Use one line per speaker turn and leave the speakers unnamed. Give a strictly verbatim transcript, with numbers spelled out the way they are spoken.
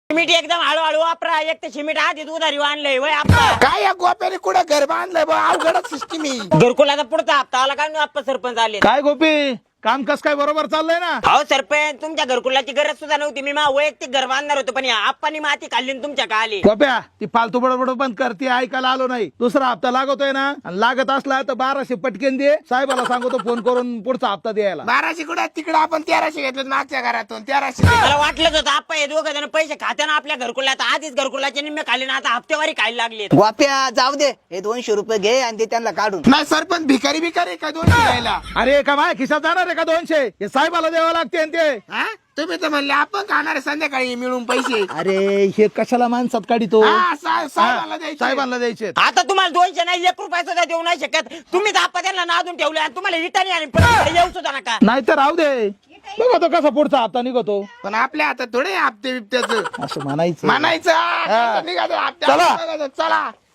Cement एकदम हळूहळू वापरा. एक तर सिमेंट आधीच उधारी आणलंय वय आपला.
काय या गोप्याने कुठं घर बांधलंय बा? अवघडच सिस्टीम ही.
घरकुलाचा पुढचा हप्ता आला काय आप्पा सरपंच आले.
काय गोपी काम कस काय बरोबर चाललंय ना?
हो सरपंच, तुमच्या घरकुलाची गरज सुद्धा नव्हती. मी मा वैयक्तिक घर बांधणार होतो, पण आप्पानी माती खाल्ली आणि तुमच्या का आली.
गोप्या ती फालतू बडबड बंद करते, ऐकायला आलो नाही. दुसरा हप्ता लागतोय ना, आणि लागत असला तर बाराशे पटकेन दे. साहेबाला सांगतो फोन करून पुढचा हप्ता द्यायला.
बाराशे कुठं तिकडं आपण तेराशे घेतलं मागच्या घरातून. तेराशे
मला वाटलंच होतं आप्पा हे दोघं जण पैसे खात्यानं आपल्या घरकुलात आधीच घरकुलाचे निम्मे खाल्ले ना, आता हप्तेवारी खायला लागले.
गोप्या जाऊ दे, हे दोनशे रुपये घे आणि ते त्यांना काढून.
नाही सरपंच भिकारी भिकारी काय दोन द्यायला?
अरे का माय खिशात जाणार आहे का दोनशे? हे साहेबाला द्यावं लागते ते.
हा? तुम्ही तर म्हणले आपण खाणार आहे संध्याकाळी मिळून पैसे.
अरे हे कशाला माणसात काढितो?
हा, सा- साहेबाला
हा,
द्यायचे.
साहेबांना द्यायचे.
आता तुम्हाला दोनशे नाही एक रुपया सुद्धा देऊ नाही शकत. तुम्हीच आप्पा त्यांना नादून ठेवले आणि तुम्हाला रिटर्न आणि परत इकडे येऊ सुद्धा नका.
नाही तर राहू दे, बघतो कसा पुढचा हप्ता निघतो.
पण आपल्या हातात थोडे हप्ते बिप्त्याचं
असं म्हणायचं.
म्हणायचं. हा, निघालं हप्त्याचं.
चला.
बघायचं. चला